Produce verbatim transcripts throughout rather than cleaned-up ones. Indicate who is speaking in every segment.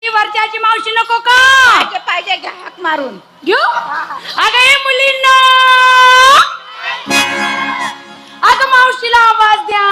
Speaker 1: वरच्याची मावशी नको का?
Speaker 2: पाहिजे पाहिजे घ्या हाक मारून
Speaker 1: घेऊ अगं हे मुलींना अगं मावशीला आवाज द्या.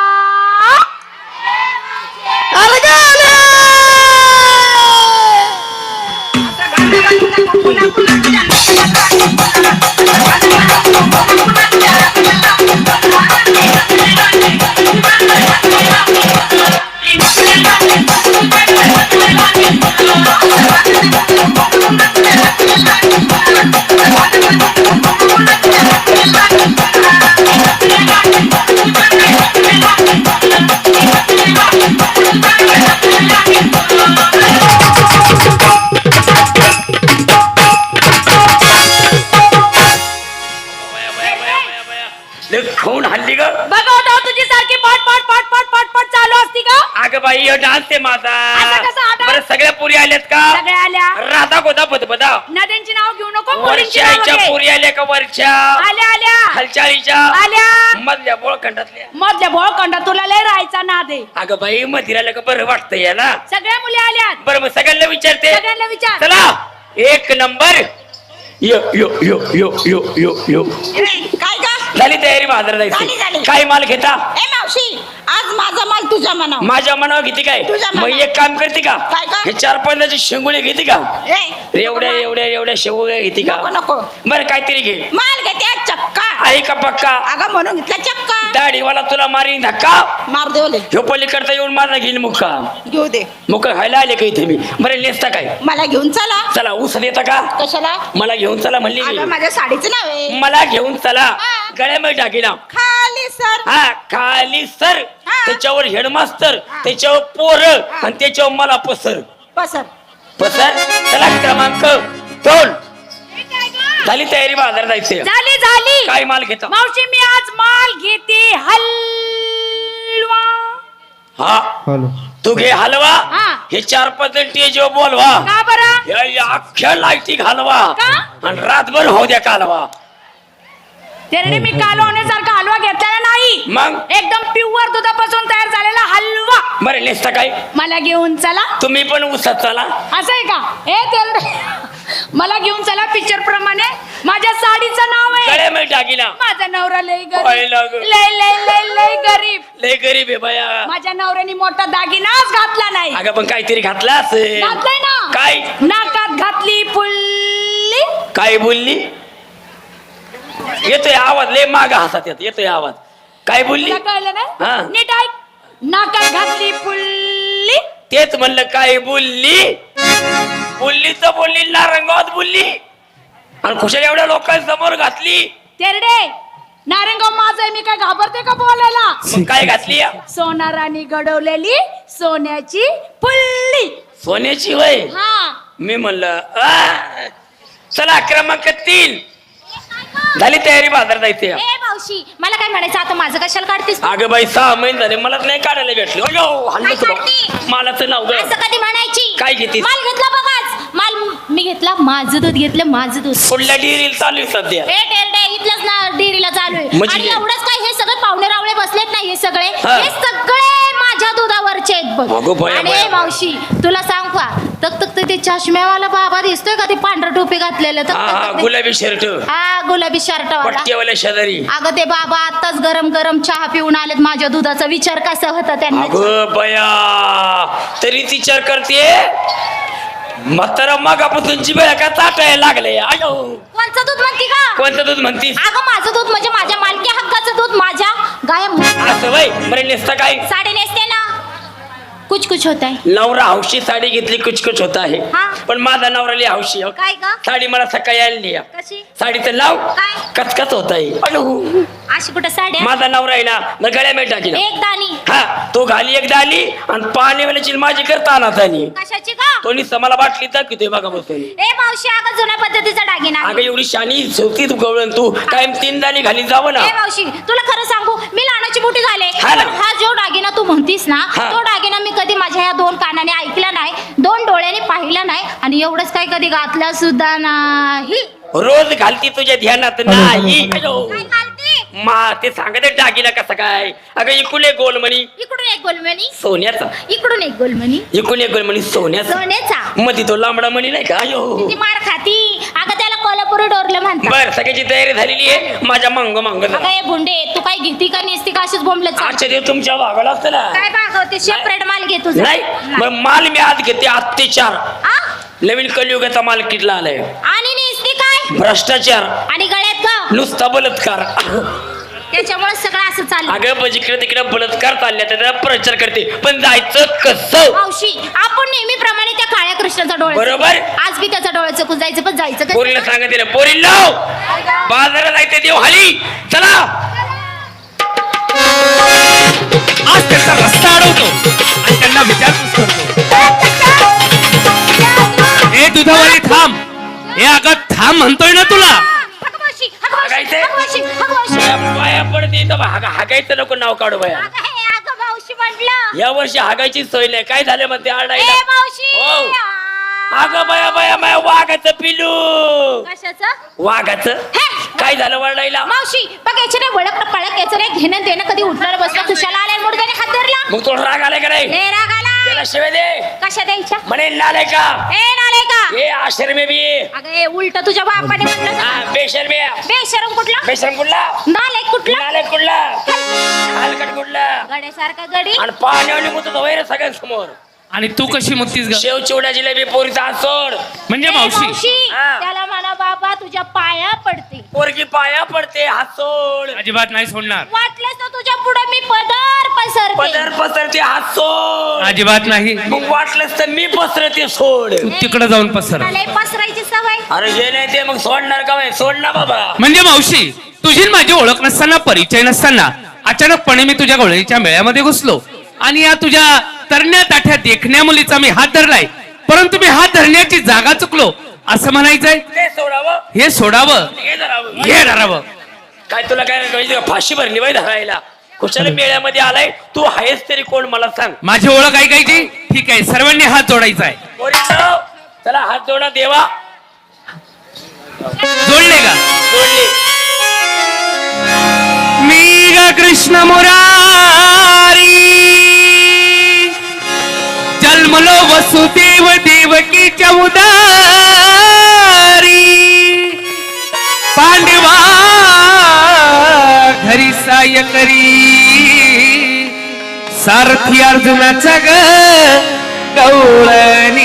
Speaker 3: खाऊन हल्ली ग
Speaker 1: बघा होता तुझी सारखी पाट पाट पाट पाट पाट पाट चालू असती का?
Speaker 3: अगं बाई हे डान्स आहे माझा.
Speaker 1: असा कसा हा dance?
Speaker 3: बरं सगळ्या पुरी आल्यात का?
Speaker 1: सगळ्या आल्या.
Speaker 3: राधा गोदा बदबदा
Speaker 1: नद्यांची नाव घेऊ नको, मुलींची नाव
Speaker 3: वरच्या
Speaker 1: घे.
Speaker 3: पुरी आल्या का? वरच्या
Speaker 1: आल्या आल्या
Speaker 3: खालच्याळीच्या
Speaker 1: आल्या
Speaker 3: मधल्या बोळखंडातल्या.
Speaker 1: मधल्या भोळखंडा तुला लय राहायचा नाद आहे.
Speaker 3: अगं बाई मधीराला का बरं वाटतं याला.
Speaker 1: सगळ्या मुली आल्यात.
Speaker 3: बरं मग सगळ्यांना विचारते.
Speaker 1: सगळ्यांना विचार.
Speaker 3: चला एक नंबर यो यो यो यो यो यो यो
Speaker 2: काय का
Speaker 3: झाली तयारी बाजारात
Speaker 2: झाली,
Speaker 3: जायची.
Speaker 2: झाली.
Speaker 3: काय माल घेता?
Speaker 2: ए मावशी आज माझा माल तुझ्या मनावर.
Speaker 3: माझ्या मनावर घेते काय?
Speaker 2: तुझ्या
Speaker 3: मग
Speaker 2: मनावर.
Speaker 3: एक काम करते का?
Speaker 2: काय का?
Speaker 3: हे चार पाण्याचे शेंगुळे घेते का?
Speaker 2: ए
Speaker 3: एवढ्या एवढ्या एवढ्या शेंगुळे घेते का?
Speaker 2: नको नको
Speaker 3: बरं काहीतरी घे.
Speaker 2: माल घेते चक्का.
Speaker 3: आहे का पक्का?
Speaker 2: अगं म्हणून घेतला चक्का.
Speaker 3: दाढीवाला तुला मारीन धक्का.
Speaker 2: मार देवले
Speaker 3: ह्यो पलीकडता येऊन माझा घेईन मुक्का.
Speaker 2: घेऊ दे.
Speaker 3: मुक्का खायला आले का इथे मी? बरं नेसता काय?
Speaker 2: मला घेऊन चला.
Speaker 3: चला ऊस देता का?
Speaker 2: कशाला?
Speaker 3: मला घेऊन चला म्हणली
Speaker 2: अगं
Speaker 3: मी.
Speaker 2: माझ्या साडीचं नाव आहे.
Speaker 3: मला घेऊन चला.
Speaker 2: हा.
Speaker 3: गळ्यामध्ये टाकीला.
Speaker 2: खाली सर.
Speaker 3: हा खाली सर.
Speaker 2: हा.
Speaker 3: त्याच्यावर हेडमास्तर.
Speaker 2: हा.
Speaker 3: त्याच्यावर पोर आणि त्याच्यावर मला पसर.
Speaker 2: पसर.
Speaker 3: पसर. चला क्रमांक दोन. झाली तयारी बाजारात जायची.
Speaker 1: झाली झाली.
Speaker 3: काय माल घेता?
Speaker 1: मावशी मी आज माल घेते हलवा.
Speaker 3: हा
Speaker 4: हॅलो
Speaker 3: तू घे हलवा.
Speaker 1: हा.
Speaker 3: हे चार पद्धती जो बोलवा.
Speaker 1: का बरं?
Speaker 3: या- या अख्ख्या लाईटी घालवा
Speaker 1: का?
Speaker 3: आणि रातभर होऊ द्या कालवा.
Speaker 1: तेरडे मी काल होण्यासारखा हलवा घेतलेला नाही.
Speaker 3: मग
Speaker 1: एकदम प्युअर दुधापासून तयार झालेला हलवा.
Speaker 3: बरं नेसता काय?
Speaker 1: मला घेऊन चला.
Speaker 3: तुम्ही पण उसात चला.
Speaker 1: असं आहे का? ए तेरडे मला घेऊन चला पिक्चर प्रमाणे. माझ्या साडीचं नाव आहे
Speaker 3: गळ्यामध्ये टाकीला.
Speaker 1: माझा नवरा लय
Speaker 3: पाहिलं
Speaker 1: गरीब.
Speaker 3: ग.
Speaker 1: लय लय लय लय गरीब.
Speaker 3: लय गरीब आहे बाया.
Speaker 1: माझ्या नवऱ्याने मोठा दागिनाच घातला नाही.
Speaker 3: अगं पण काहीतरी घातला असेल.
Speaker 1: घातलाय ना.
Speaker 3: काय?
Speaker 1: नाकात घातली पुल्ली.
Speaker 3: काय बोलली? येतोय आवाज लय माग हातात येत येतोय आवाज. काय बोलली?
Speaker 1: तुला कळलं
Speaker 3: हा.
Speaker 1: ना? नीट ऐक. नाकात घातली पुल्ली.
Speaker 3: तेच म्हणलं काय बोलली. बोलली तर बोलली नारंगात बोलली आणि खुशाल एवढ्या लोकांसमोर घातली.
Speaker 1: तेरडे नारंगाव माझं आहे, मी काय घाबरते का बोलायला?
Speaker 3: मग काय घातली?
Speaker 1: सोनाराने घडवलेली सोन्याची पुल्ली.
Speaker 3: सोन्याची होय.
Speaker 1: हा
Speaker 3: मी म्हणलं आ. चला क्रमांक तीन. झाली तयारी बाजारात जायची.
Speaker 5: ए मावशी मला काय म्हणायचं आता माझं कशाला काढतेस तू?
Speaker 3: अगं बाई सहा महिने झाले मला नाही काढायला भेटले. अयो, हल्लं
Speaker 5: काय
Speaker 3: तुला.
Speaker 5: काढते?
Speaker 3: मालाचं नाव ग.
Speaker 5: असं कधी म्हणायची?
Speaker 3: काय घेतीस?
Speaker 5: माल घेतला बघाच. माल मी घेतला माझं दूध घेतलं माझं दूध.
Speaker 3: कुठल्या डिरील चालू आहे सध्या?
Speaker 5: ए टेरडे इथलंच ना डेअरीला चालू आहे.
Speaker 3: म्हणजे
Speaker 5: आणि
Speaker 3: हे?
Speaker 5: एवढंच काय हे सगळे पाहुणे रावळे बसलेत ना हे सगळे
Speaker 3: हा.
Speaker 5: हे सगळे माझ्या दुधावरचे आहेत बघ.
Speaker 3: अगं बया,
Speaker 5: आणि
Speaker 3: बया,
Speaker 5: ए मावशी तुला सांग का तक तक ते चष्म्यावाला बाबा दिसतोय का ते पांढरा टोपी घातलेलं तक
Speaker 3: हा
Speaker 5: तक
Speaker 3: हा
Speaker 5: तक ते-
Speaker 3: गुलाबी शर्ट
Speaker 5: हा गुलाबी शर्ट वाला.
Speaker 3: पट्ट्यावाल्या शेजारी.
Speaker 5: अगं ते बाबा आताच गरम गरम चहा पिऊन आलेत. माझ्या दुधाचा विचार कसा होता त्यांना?
Speaker 3: अगं बया तरी विचार करते. म्हातारा मागापासूनची वेळ का चाटायला लागले. अयो
Speaker 5: कोणचं दूध म्हणती का?
Speaker 3: कोणतं दूध म्हणतीस?
Speaker 5: अगं माझं दूध म्हणजे माझ्या मालकी हक्काचं दूध माझ्या गाय
Speaker 3: असं वय बरं नेसता काय?
Speaker 5: साडी नेसते ना कुछ कुछ होत आहे.
Speaker 3: नवरा हौशी साडी घेतली कुचकुच होत आहे.
Speaker 5: हा.
Speaker 3: पण माझा नवरा लिहि हौशी हो.
Speaker 5: काय ग?
Speaker 3: साडी मला सकाळी आणली.
Speaker 5: कशी
Speaker 3: साडीचं नाव
Speaker 5: काय?
Speaker 3: कचकच होत आहे. अयो
Speaker 5: अशी कुठं साड्या
Speaker 3: माझा नवरा आहे ना मग गळ्या मेट टाकी
Speaker 5: एक दाणी
Speaker 3: हा तो घाली एकदा आली आणि पाणी वाल्याची माझी करता अनाथानी
Speaker 5: कशाची का?
Speaker 3: तो नुसतं मला बाटली दाखवतोय बघा बसून.
Speaker 5: ए मावशी अगं जुन्या पद्धतीचा दागिना
Speaker 3: अगं एवढी शानी शेवटी तू गवळण तू कायम तीन दाणी घाली जावं ना.
Speaker 5: ए मावशी तुला खरं सांगू मी लहानाची मोठी झाले
Speaker 3: हा ना.
Speaker 5: पण हा जो दागिना तू म्हणतीस ना
Speaker 3: हा.
Speaker 5: तो दागिना मी कधी माझ्या या दोन कानाने ऐकला नाही दोन डोळ्याने पाहिला नाही आणि एवढंच काय कधी घातला सुद्धा नाही.
Speaker 3: रोज घालती तुझ्या ध्यानात नाही. अयो.
Speaker 5: काय घालते?
Speaker 3: मा ते सांगते दागिना कसा काय. अगं इकडून एक गोलमणी
Speaker 5: इकडून एक गोलमणी,
Speaker 3: सोन्याचा,
Speaker 5: इकडून एक गोलमणी
Speaker 3: इकडून एक गोलमणी सोन्याचा,
Speaker 5: सोन्याचा.
Speaker 3: मध्ये तो लांबडा मणी नाही का. अयो
Speaker 5: ती मार खाती. अगं त्याला कोल्हापुरी डोरलं म्हणतात.
Speaker 3: बर सगळ्याची तयारी झालेली आहे. माझ्या मंग मंग
Speaker 5: अगं हे भुंडे तू काय घेती का नेसती का अशीच बोंबलत चाल.
Speaker 3: आजच्या दिवस तुमच्या भागाला असतं ना.
Speaker 5: काय बागवते सेपरेट माल घे तुझा.
Speaker 3: नाही मग माल मी आज घेते अत्याचार.
Speaker 5: आ?
Speaker 3: नवीन कलियुगाचा माल किटला आलाय.
Speaker 5: आणि नेसती काय
Speaker 3: भ्रष्टाचार,
Speaker 5: आणि गळ्यात ग
Speaker 3: नुसता बलात्कार.
Speaker 5: त्याच्यामुळे सगळं असं चाललं.
Speaker 3: अगं जिकडे तिकडे बलात्कार चालल्या त्याचा प्रचार करते, पण जायचं कसं.
Speaker 5: मावशी आपण नेहमीप्रमाणे त्या काळ्या कृष्णाचा डोळा
Speaker 3: बरोबर.
Speaker 5: आज बी त्याचा डोळा चकून जायचं, पण जायचं कसं?
Speaker 3: पोरीला सांगत दिलं पोरी लाव बाजारात जायचं देव हाली चला.
Speaker 4: आज त्यांचा रस्ता अडवतो आणि त्यांना विचारपूस करतो. हे दुधावाली थांब. हे अगं थांब म्हणतोय ना तुला.
Speaker 5: अगं मावशी, अगं मावशी,
Speaker 3: हागायचंय?
Speaker 5: अगं मावशी, अगं मावशी.
Speaker 3: पाया पडते तर हागा हागायचं नको नाव काढू बाया.
Speaker 5: अगं हे, अगं मावशी म्हटलं.
Speaker 3: या वर्षी हागायची सोय नाही. काय झालं म्हणते
Speaker 5: ए
Speaker 3: आरडायला.
Speaker 5: मावशी.
Speaker 3: हो. अगं बाया बाया बाया वाघाचं पिलू.
Speaker 5: कशाचं?
Speaker 3: वाघाचं
Speaker 5: हे.
Speaker 3: काय झालं वरडायला.
Speaker 5: मावशी बघ याचे नाही वळख पळक याचं नाही घेणं देणं. कधी उठणार बसला तुशाला आलाय मुर्द्याने हात धरला.
Speaker 3: मग तो राग आलाय का नाही.
Speaker 5: लय राग आलाय.
Speaker 3: त्याला शिवाय दे.
Speaker 5: कशा द्यायच्या?
Speaker 3: म्हणे नालाय का
Speaker 5: ए नाले का?
Speaker 3: हे आश्रमे बी
Speaker 5: अगं हे उलट तुझ्या बापाने म्हटलं ना.
Speaker 3: हा बेशर्मी
Speaker 5: बेशरम कुठला?
Speaker 3: बेशर्म कुठला
Speaker 5: नाले कुठला?
Speaker 3: नालाय कुठला हलकट कुठला
Speaker 5: गड्यासारखा गडी.
Speaker 3: आणि पाण्याने मुततो वैर सगळ्यांसमोर.
Speaker 4: आणि तू कशी मुक्तीस ग.
Speaker 3: शेव चिवडा जिलेबी पोरीचा हात सोड.
Speaker 4: म्हणजे
Speaker 5: ए,
Speaker 4: मावशी
Speaker 5: मावशी
Speaker 3: हा.
Speaker 5: त्याला म्हणा बाबा तुझ्या पाया पडते.
Speaker 3: पोरगी पाया पडते हात सोड.
Speaker 4: अजिबात नाही सोडणार.
Speaker 5: वाटलंच ना तुझ्या पुढे मी पदर पसरते.
Speaker 3: पदर पसरते हात सोड.
Speaker 4: अजिबात नाही.
Speaker 3: मग वाटलंच तर मी पसरते सोड.
Speaker 4: तू तिकडे जाऊन पसर.
Speaker 5: मला हे पसरायची सवय.
Speaker 3: अरे हे नाही ते मग सोडणार का बाई? सोड ना बाबा.
Speaker 4: म्हणजे मावशी तुझी न माझी ओळख नसताना, परिचय नसताना अचानकपणे मी तुझ्या गवळणीच्या मेळ्यामध्ये घुसलो आणि या तुझ्या तरण्या ताठ्या देखण्या मुलीचा मी हात धरलाय. परंतु मी हात धरण्याची जागा चुकलो असं म्हणायचंय.
Speaker 3: ते सोडावं
Speaker 4: हे सोडावं,
Speaker 3: हे धरावं.
Speaker 4: हे धरावं.
Speaker 3: काय तुला काय कळायचं का? फाशी भरली बाई धरायला. कुशाला मेळ्यामध्ये आलाय तू आहेस तरी कोण मला सांग.
Speaker 4: माझी ओळख ऐकायची. ठीक आहे सर्वांनी हात जोडायचा आहे.
Speaker 3: पोरींनो, चला हात जोडा देवा.
Speaker 4: जोडले का?
Speaker 3: जोडले.
Speaker 4: मी ग कृष्ण मुरारी जन्मलो वसुदेव देवकीच्या उदारी पांडवा घरी साय करी सारथी अर्जुनाचा ग गवळणी.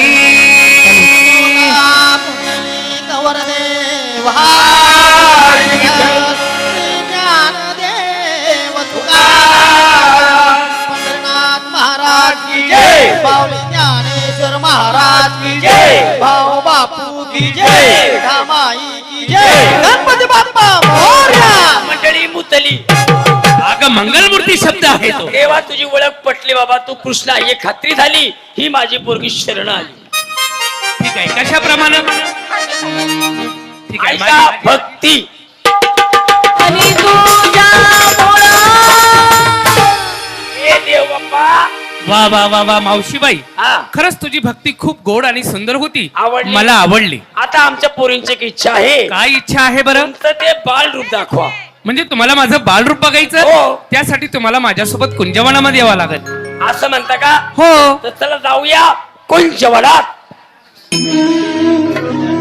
Speaker 6: महाराज की जय. बावली ज्ञानेश्वर महाराज की जय. भाऊ बापू की जय. धामाई की जय. गणपती बाप्पा मोरया.
Speaker 3: मंडळी मुतली.
Speaker 4: अगं मंगलमूर्ती शब्द आहे तो.
Speaker 3: देवा तुझी ओळख पटली बाबा. तू कृष्ण आहे हे खात्री झाली. ही माझी पोरगी शरण आली.
Speaker 4: ठीक आहे कशाप्रमाणे. ठीक आहे
Speaker 3: ऐका
Speaker 4: माझी-
Speaker 3: भक्ती. हे देव बाप्पा.
Speaker 4: वा वा वा वा मावशीबाई
Speaker 3: हा
Speaker 4: खरंच तुझी भक्ती खूप गोड आणि सुंदर होती.
Speaker 3: आवडली.
Speaker 4: मला आवडली.
Speaker 3: आता आमच्या पोरींची एक इच्छा आहे.
Speaker 4: काय इच्छा आहे बरं.
Speaker 3: तुमचं ते बाल रूप दाखवा.
Speaker 4: म्हणजे तुम्हाला माझं बालरूप बघायचं.
Speaker 3: हो.
Speaker 4: त्यासाठी तुम्हाला माझ्यासोबत कुंजवनामध्ये यावं लागेल.
Speaker 3: असं म्हणता का?
Speaker 4: हो
Speaker 3: तर चला जाऊया कुंजवनात.